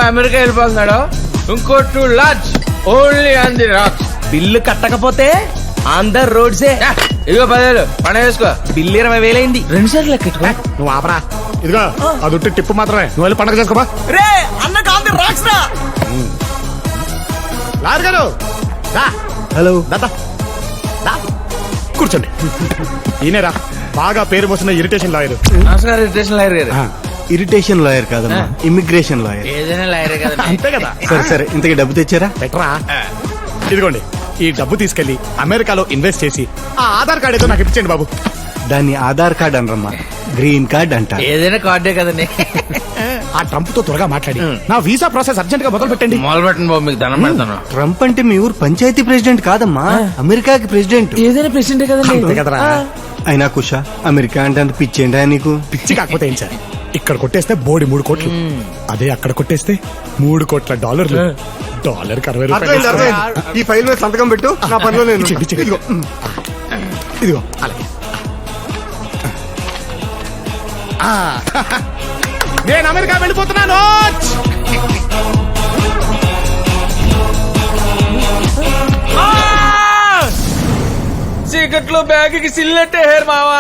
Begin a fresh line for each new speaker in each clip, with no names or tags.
America వెళ్ళిపోతున్నాడు, ఇంకో 2 lakhs only on the rocks.
Bill కట్టకపోతే ఆన్ ద రోడ్సే.
ఇదిగో 10,000 పని వేసుకో.
బిల్లు 20,000 అయింది. 2 సార్లు లెక్కెట్టుకో.
నువ్వు ఆపరా. ఇదిగో అది ఉట్టి టిప్పు మాత్రమే. నువ్వు వెళ్ళి పండగ చేసుకోబా.
రే అన్న కాంతి రాక్స్ రా.
లాయర్ గారు
హలో.
దాదా కూర్చోండి. ఈయనరా బాగా పేరు పోసిన ఇరిటేషన్ లాయర్.
నమస్కారం ఇరిటేషన్ లాయర్ గారు.
ఇరిటేషన్ లాయర్ కాదమ్మా, ఇమిగ్రేషన్ లాయర్.
ఏదైనా లాయరే కదా.
అంతే కదా.
సరే సరే, ఇంతకీ డబ్బు తెచ్చారా?
బెటరా. ఇదిగోండి ఈ డబ్బు తీసుకెళ్లి అమెరికాలో ఇన్వెస్ట్ చేసి ఆ ఆధార్ కార్డు ఏదో నాకు ఇప్పించండి బాబు.
దాన్ని ఆధార్ కార్డ్ అనరమ్మా, గ్రీన్ కార్డ్ అంట.
ఏదైనా కార్డే కదండి.
ఆ ట్రంప్ తో త్వరగా మాట్లాడి నా వీసా ప్రాసెస్ అర్జెంట్ గా మొదలు పెట్టండి.
మొదలు పెట్టండి బాబు, మీకు దండం పెడతాను.
ట్రంప్ అంటే మీ ఊరు పంచాయతీ ప్రెసిడెంట్ కాదమ్మా, అమెరికాకి ప్రెసిడెంట్.
ఏదైనా ప్రెసిడెంట్ కదండి.
అంతే కదరా.
అయినా కుషా, అమెరికా అంటే అంత పిచ్చేంటా నీకు?
పిచ్చి కాకపోతే ఏం సార్, ఇక్కడ కొట్టేస్తే బోడి 3 కోట్లు, అదే అక్కడ కొట్టేస్తే 3 కోట్ల డాలర్లు. డాలర్కి 60 రూపాయలు.
ఈ ఫైల్ మీద సంతకం పెట్టు, నా పనిలో నేను.
ఇదిగో ఇదిగో అలాగే. నేను అమెరికా వెళ్ళిపోతున్నాను.
చీకట్లో బ్యాగ్ కి సిల్లెట్టే హేర్ మావా.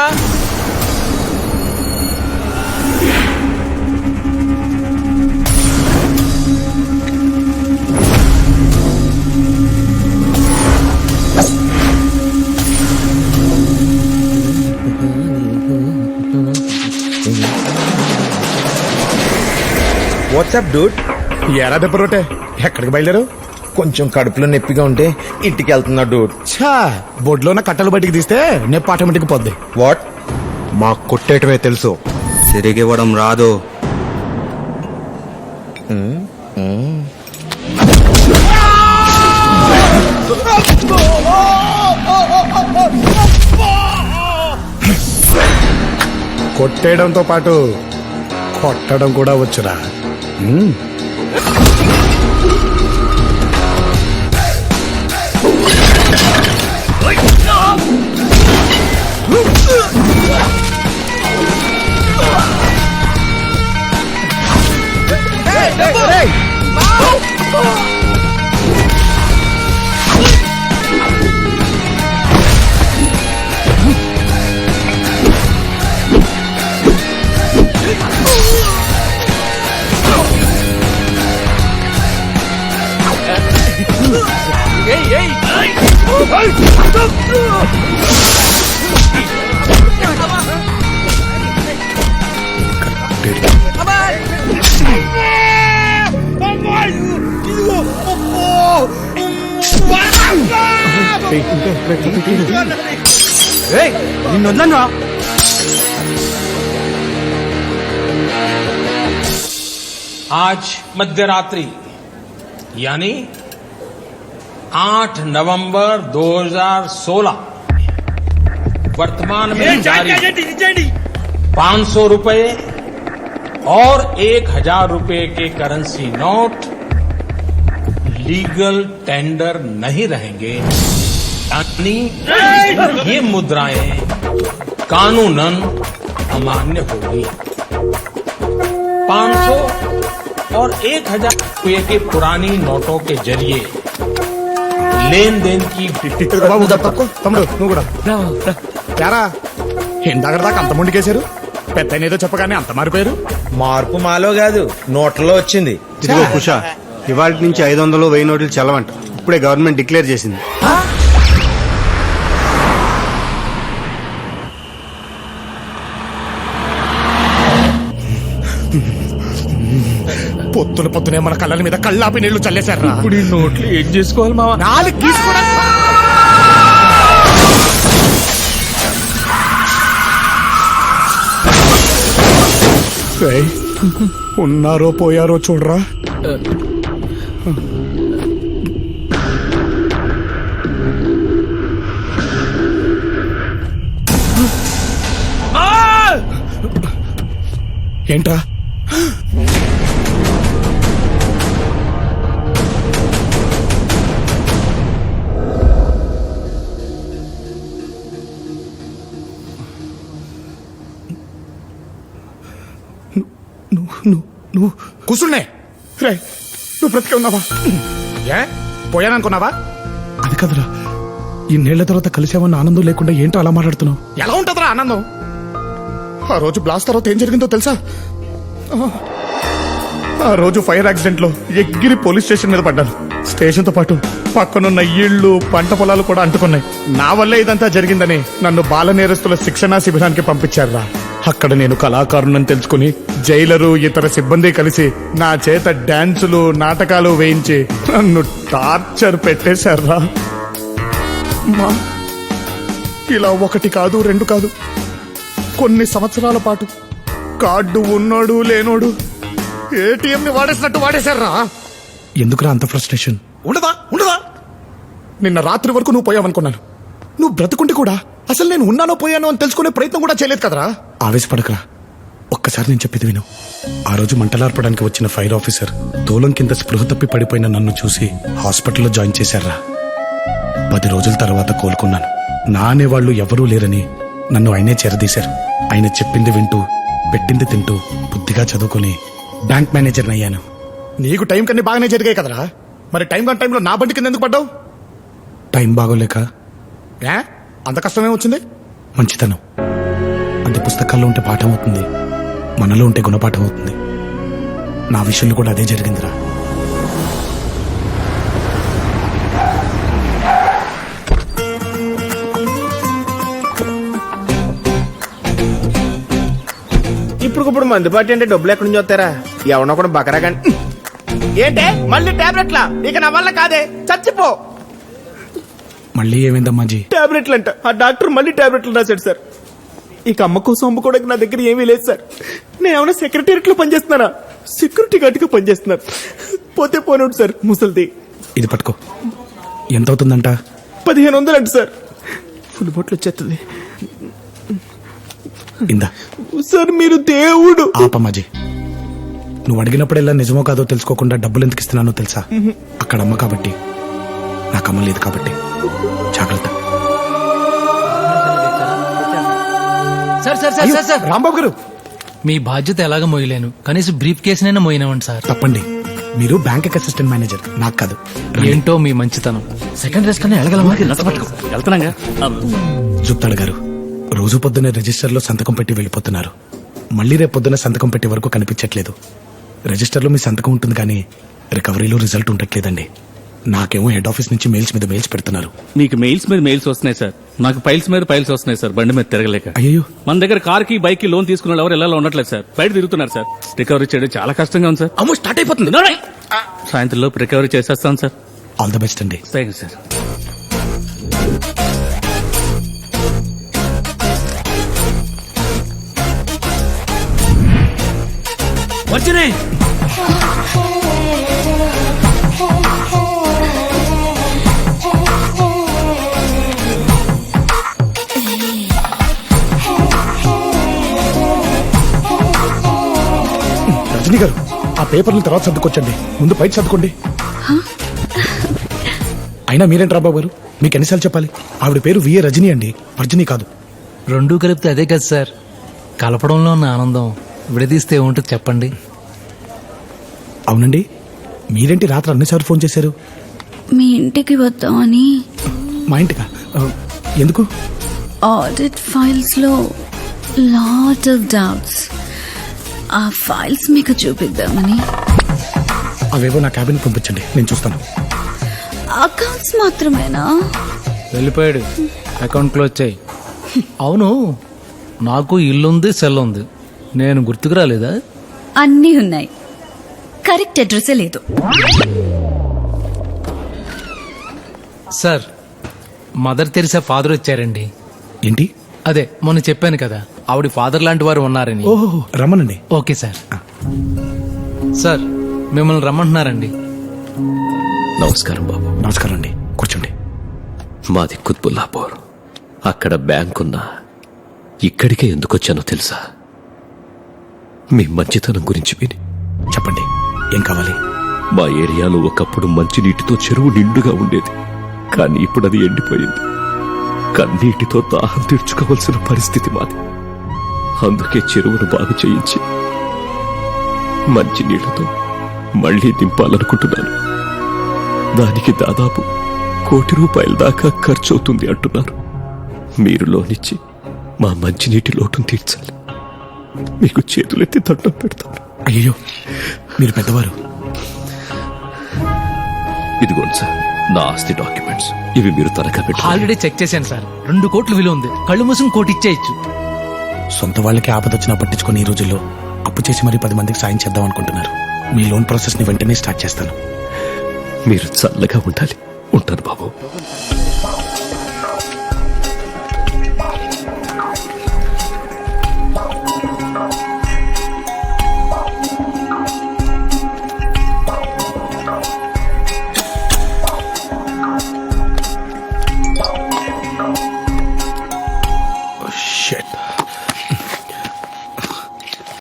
WhatsApp dude.
ఎరా దెబ్బ రోటే, ఎక్కడికి బయలుదేరు?
కొంచెం కడుపులో నొప్పిగా ఉంటే ఇంటికి వెళ్తున్నా డూడ్.
ఛా, బొడ్లో ఉన్న కట్టలు బయటికి తీస్తే నొప్పి ఆటోమేటిక్ పోద్ది.
వాట్?
మా కొట్టేయటమే తెలుసు, తిరిగివ్వడం రాదు.
కొట్టేయడంతో పాటు కొట్టడం కూడా వచ్చురా.
నిన్నొద్దన్నా.
आज मध्यरात्रि यानी 8 नवंबर 2016 वर्तमान में जारी 500 रुपए और 1000 रुपए के करेंसी नोट लीगल टेंडर नहीं रहेंगे, यानी ये मुद्राएं कानूनन अमान्य होगी। 500 और 1000 रुपये के पुरानी नोटों के जरिए लेन देन की
తమ్ముడు నువ్వు కూడా యారా, ఇందాక దాకా అంత ముందుకేశారు, పెద్ద ఏదో చెప్పగానే అంత మారిపోయారు.
మార్పు మాలో కాదు, నోట్లలో వచ్చింది.
ఇదిగో కుషా, ఇవాళ నుంచి 500, 1000 నోట్లు చల్లవంట. ఇప్పుడే గవర్నమెంట్ డిక్లేర్ చేసింది.
పొద్దునే మన కళ్ళ మీద కళ్ళాపి నీళ్లు చల్లేశారా.
ఇప్పుడు ఈ నోట్లు ఏం చేసుకోవాలి మావా?
4 తీసుకోవడం. ఉన్నారో పోయారో చూడరా. ఏంట్రా? నువ్వు కూర్చున్నే. రే నువ్వు బ్రతికే ఉన్నావా? ఏ పోయాననుకున్నావా? అది కదరా, ఇన్నేళ్ల తర్వాత కలిసామన్న ఆనందం లేకుండా ఏంటో అలా మాట్లాడుతున్నావు? ఎలా ఉంటుందిరా ఆనందం? ఆ రోజు బ్లాస్ట్ తర్వాత ఏం జరిగిందో తెలుసా? ఆ రోజు ఫైర్ యాక్సిడెంట్ లో ఎగిరి పోలీస్ స్టేషన్ మీద పడ్డాను. స్టేషన్ తో పాటు పక్కనున్న ఇళ్ళు, పంట పొలాలు కూడా అంటుకున్నాయి. నా వల్లే ఇదంతా జరిగిందని నన్ను బాల నేరస్తుల శిక్షణా శిబిరానికి పంపించారా. అక్కడ నేను కళాకారుణ్ణని తెలుసుకుని జైలరు, ఇతర సిబ్బంది కలిసి నా చేత డాన్సులు, నాటకాలు వేయించి నన్ను టార్చర్ పెట్టేశారా. ఇలా ఒకటి కాదు, రెండు కాదు, కొన్ని సంవత్సరాల పాటు కార్డు ఉన్నోడు లేనోడు ఏటీఎం ని వాడేసినట్టు వాడేశారా. ఎందుకురా అంత ఫ్రస్ట్రేషన్? ఉండదా ఉండదా? నిన్న రాత్రి వరకు నువ్వు పోయావనుకున్నాను. నువ్వు బ్రతుకుంటే కూడా అసలు నేను ఉన్నానో పోయానో అని తెలుసుకునే ప్రయత్నం కూడా చేయలేదు కదరా. ఆవేశపడకరా, ఒక్కసారి నేను చెప్పేది విను. ఆ రోజు మంటలార్పడానికి వచ్చిన ఫైర్ ఆఫీసర్ తోలం కింద స్పృహ తప్పి పడిపోయిన నన్ను చూసి హాస్పిటల్లో జాయిన్ చేశారా. 10 రోజుల తర్వాత కోలుకున్నాను. నా అనేవాళ్లు ఎవరూ లేరని నన్ను ఆయనే చేరదీశారు. ఆయన చెప్పింది వింటూ, పెట్టింది తింటూ, బుద్ధిగా చదువుకుని బ్యాంక్ మేనేజర్ని అయ్యాను. నీకు టైం కన్నీ బాగానే జరిగాయి కదరా, మరి టైం కాని టైంలో నా బండి కింద ఎందుకు పడ్డావు? టైం బాగోలేక. ఏ అంత కష్టమే వచ్చింది? మంచితనం అంటే పుస్తకాల్లో ఉంటే పాఠం అవుతుంది, మనలో ఉంటే గుణపాఠం అవుతుంది. నా విషయంలో కూడా అదే జరిగిందిరా.
ఇప్పుడు మందుబాటు అంటే డబ్బులు ఎక్కడి నుంచి వస్తారా? ఎవరినో కూడా బకరా కానీ. ఏంటే మళ్ళీ టాబ్లెట్లా? ఇక నా వల్ల కాదే, చచ్చిపో.
మళ్ళీ ఏమైందమ్మాజీ?
టాబ్లెట్లు అంట. ఆ డాక్టర్ మళ్ళీ టాబ్లెట్లు రాశాడు సార్. ఇక అమ్మ కోసం అమ్ముకోవడానికి నా దగ్గర ఏమీ లేదు సార్. నేను ఏమైనా సెక్రటేరియట్ లో పనిచేస్తున్నానా? సెక్యూరిటీ గార్డ్ గా పనిచేస్తున్నాను. పోతే పోనోడు సార్, ముసలిది.
ఇది పట్టుకో. ఎంత అవుతుందంట?
1500 అంట సార్. ఫుల్ బొట్లు వచ్చేస్తుంది.
ఇందా
సార్, మీరు దేవుడు.
ఆపమ్మాజీ, నువ్వు అడిగినప్పుడెల్లా నిజమో కాదో తెలుసుకోకుండా డబ్బులు ఎందుకు ఇస్తున్నానో తెలుసా? అక్కడ అమ్మ కాబట్టి, నాకు అమ్మ లేదు కాబట్టి. జాగ్రత్త.
Sir sir sir sir sir
Rambabu గారు,
మీ బాధ్యత ఎలాగ మోయలేను, కనీసం బ్రీఫ్ కేసునైనా మోయినవండి సార్.
తప్పండి. మీరు బ్యాంక్ అసిస్టెంట్ మేనేజర్, నాకు కాదు.
ఏంటో మీ మంచితనం.
సెకండ్ రేస్ కన్నా ఎలగలమా? వెళ్తున్నాగా.
జుప్తాడు గారు, రోజు పొద్దున్న రిజిస్టర్లో సంతకం పెట్టి వెళ్ళిపోతున్నారు. మళ్ళీ రేపు పొద్దున్న సంతకం పెట్టే వరకు కనిపించట్లేదు. రిజిస్టర్లో మీ సంతకం ఉంటుంది కానీ రికవరీలో రిజల్ట్ ఉండట్లేదండి. నాకేమో హెడ్ ఆఫీస్ నుంచి మెయిల్స్ మీద మెయిల్స్ పెడుతున్నారు.
మీకు మెయిల్స్ మీద మెయిల్స్ వస్తున్నాయి సార్, నాకు ఫైల్స్ మీద ఫైల్స్ వస్తున్నాయి సార్. బండి మీద తిరగలేక.
అయ్యో,
మన దగ్గర కార్ కి, బైక్ కి లోన్ తీసుకున్న ఎవరు ఎలా ఉండట్లేదు సార్. బయట తిరుగుతున్నారు సార్. రికవరీ చేయడం చాలా కష్టంగా ఉంది సార్.
అమ్మో స్టార్ట్ అయిపోతుంది.
సాయంత్రం లోపు రికవరీ చేసేస్తాను సార్.
ఆల్ ద బెస్ట్ అండి.
Thank you sir.
వచ్చినాయి.
రజనీ గారు, ఆ పేపర్లు తర్వాత సర్దుకొచ్చండి, ముందు బయట సర్దుకోండి. అయినా మీరేంటి రాబాబు గారు, మీకు ఎన్నిసార్లు చెప్పాలి? ఆవిడ పేరు విఏ రజనీ అండి, వర్జనీ కాదు.
రెండూ కలిపితే అదే కదా సార్. కలపడంలో ఉన్న ఆనందం విడదీస్తే ఏముంటుంది చెప్పండి.
అవునండి, మీరేంటి రాత్రి అన్నిసార్లు ఫోన్ చేశారు?
మీ ఇంటికి వద్దామని.
మా ఇంటికా? ఎందుకు?
ఆడిట్ ఫైల్స్ లో లాట్ ఆఫ్ డౌట్స్. ఆ ఫైల్స్ మీకు చూపిద్దామని.
అవేవో నా క్యాబిన్ పంపించండి, నేను చూస్తాను.
అకౌంట్స్ మాత్రమేనా?
వెళ్ళిపోయాడు. అకౌంట్ క్లోజ్ చేయి. అవును, నాకు ఇల్లుంది, సెల్ ఉంది. నేను గుర్తుకు రాలేదా?
అన్నీ ఉన్నాయి, కరెక్ట్ అడ్రస్సే లేదు.
సార్, మదర్ తెరిసా ఫాదర్ వచ్చారండి.
ఏంటి?
అదే మొన్న చెప్పాను కదా, ఆవిడ ఫాదర్ లాంటి వారు ఉన్నారని.
ఓహో, రమ్మనండి.
Okay sir. సార్, మిమ్మల్ని రమ్మంటున్నారండి.
నమస్కారం బాబు.
నమస్కారం అండి, కూర్చోండి.
మాది కుత్బుల్లాపూర్. అక్కడ బ్యాంక్ ఉన్నా ఇక్కడికే ఎందుకొచ్చానో తెలుసా? మీ మంచితనం గురించి విని.
చెప్పండి, ఏం కావాలి?
మా ఏరియాలో ఒకప్పుడు మంచినీటితో చెరువు నిండుగా ఉండేది, కానీ ఇప్పుడు అది ఎండిపోయింది. కన్నీటితో దాహం తీర్చుకోవాల్సిన పరిస్థితి మాది. అందుకే చెరువును బాగు చేయించి మంచినీళ్లతో మళ్లీ నింపాలనుకుంటున్నాను. దానికి దాదాపు ₹1,00,00,000 దాకా ఖర్చు అవుతుంది అంటున్నారు. మీరు లోనిచ్చి మా మంచినీటి లోటును తీర్చాలి. మీకు చేతులెత్తి దండం పెడతాను.
అయ్యో మీరు పెద్దవారు.
ఇదిగోండి సార్ నా ఆస్తి డాక్యుమెంట్స్. ఇవి మీరు తనఖా పెట్టి
ఆల్రెడీ చెక్ చేశాను సార్. 2 కోట్లు విలువ ఉంది. కళ్ళు మూసుకుని కోటి ఇచ్చేయచ్చు.
సొంత వాళ్ళకి ఆపదొచ్చినా పట్టించుకొని ఈ రోజుల్లో అప్పు చేసి మరీ 10 మందికి సాయం చేద్దాం అనుకుంటున్నారు. మీ లోన్ ప్రాసెస్ ని వెంటనే స్టార్ట్ చేస్తాను.
మీరు చల్లగా ఉండాలి. ఉంటాను బాబు.